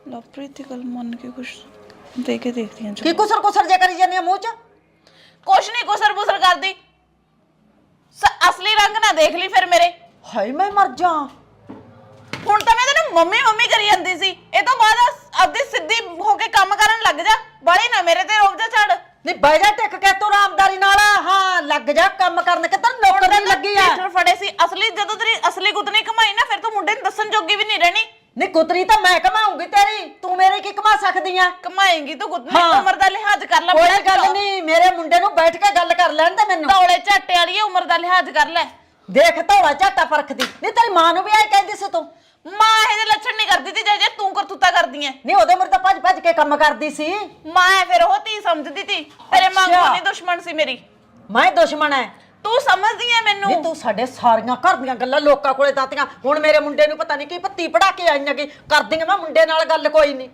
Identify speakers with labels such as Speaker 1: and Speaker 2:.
Speaker 1: लवप्रीत की गल मन के कुछ दे के देखती हैं
Speaker 2: की कुसर कुसर जे करी जानी मुंह च
Speaker 3: कुछ नहीं कुसर बुसर कर दी असली रंग ना देख ली फिर मेरे
Speaker 2: हाय मैं मर जा
Speaker 3: ਹੁਣ ਤਾਂ ਮੈਂ ਤੈਨੂੰ ਮੰਮੀ ਮੰਮੀ ਕਰੀ ਜਾਂਦੀ ਸੀ ਇਹ ਤੋਂ ਬਾਅਦ ਆਪਦੀ ਸਿੱਧੀ ਹੋ ਕੇ ਕੰਮ ਕਰਨ ਲੱਗ ਜਾ ਬੜੀ ਨਾ ਮੇਰੇ ਤੇ ਰੋਬ ਜਾ ਛੱਡ
Speaker 2: ਨਹੀਂ ਬਹਿ ਜਾ ਟਿਕ ਕੇ ਤੂੰ ਆਰਾਮਦਾਰੀ ਨਾਲ ਹਾਂ ਲੱਗ ਜਾ ਕੰਮ ਕਰਨ ਕਿ ਤੈਨੂੰ ਨੌਕਰ ਨਹੀਂ ਲੱਗੀ ਆ
Speaker 3: ਟੀਚਰ ਫੜੇ ਸੀ ਅਸਲੀ ਜਦੋਂ ਤੇਰੀ ਅਸਲੀ ਗੁੱਤਨੀ ਕਮਾਈ ਨਾ ਫਿਰ ਤੂੰ ਮੁੰਡੇ ਨੂੰ ਦੱਸਣ ਜੋਗੀ ਵੀ ਨਹੀਂ ਰਹਿਣੀ
Speaker 2: ਨਹੀਂ ਗੁੱਤਰੀ ਤਾਂ ਮੈਂ ਕਮਾਉਂਗੀ ਤੇਰੀ ਤੂੰ ਮੇਰੇ ਕੀ ਕਮਾ ਸਕਦੀ ਆ
Speaker 3: ਕਮਾਏਂਗੀ ਤੂੰ ਗੁੱਤਨੀ ਉਮਰ ਦਾ ਲਿਹਾਜ਼ ਕਰ ਲੈ
Speaker 2: ਕੋਈ ਗੱਲ ਨਹੀਂ ਮੇਰੇ ਮੁੰਡੇ ਨੂੰ ਬੈਠ ਕੇ ਗੱਲ ਕਰ ਲੈਣ ਦੇ ਮੈਨੂੰ
Speaker 3: ਧੌਲੇ ਝਾਟੇ ਵਾਲੀ ਉਮਰ ਦਾ ਲਿਹਾਜ਼ ਕਰ ਲੈ
Speaker 2: ਦੇਖ ਧੌਲਾ ਝਾਟਾ ਪਰਖਦੀ ਨਹੀਂ ਤੇਰੀ ਮਾਂ ਨੂੰ ਵੀ ਆਈ ਕਹਿੰਦੀ ਸੀ ਤੂੰ
Speaker 3: ਮਾਂ ਇਹਦੇ ਲੱਛਣ ਨਹੀਂ ਕਰਦੀ ਤੀ ਜੇ ਤੂੰ ਕਰਤੂਤਾ ਕਰਦੀ ਐ
Speaker 2: ਨਹੀਂ ਉਹਦੇ ਮਰ ਤਾਂ ਭੱਜ ਭੱਜ ਕੇ ਕੰਮ ਕਰਦੀ ਸੀ
Speaker 3: ਮਾਂ ਫਿਰ ਉਹ ਧੀ ਸਮਝਦੀ ਤੀ ਤੇਰੇ ਮਾਂ ਨਹੀਂ ਦੁਸ਼ਮਣ ਸੀ ਮੇਰੀ
Speaker 2: ਮੈਂ ਦੁਸ਼ਮਣ ਐ
Speaker 3: ਤੂੰ ਸਮਝਦੀ ਐ ਮੈਨੂੰ
Speaker 2: ਨਹੀਂ ਤੂੰ ਸਾਡੇ ਸਾਰੀਆਂ ਘਰ ਦੀਆਂ ਗੱਲਾਂ ਲੋਕਾਂ ਕੋਲੇ ਦਾਤੀਆਂ ਹੁਣ ਮੇਰੇ ਮੁੰਡੇ ਨੂੰ ਪਤਾ ਨਹੀਂ ਕੀ ਪੱਤੀ ਪੜਾ ਕੇ ਆਈਆਂ ਕਿ ਕਰਦੀਆਂ ਮੈਂ ਮੁੰਡੇ ਨਾਲ ਗੱਲ ਕੋਈ ਨਹੀਂ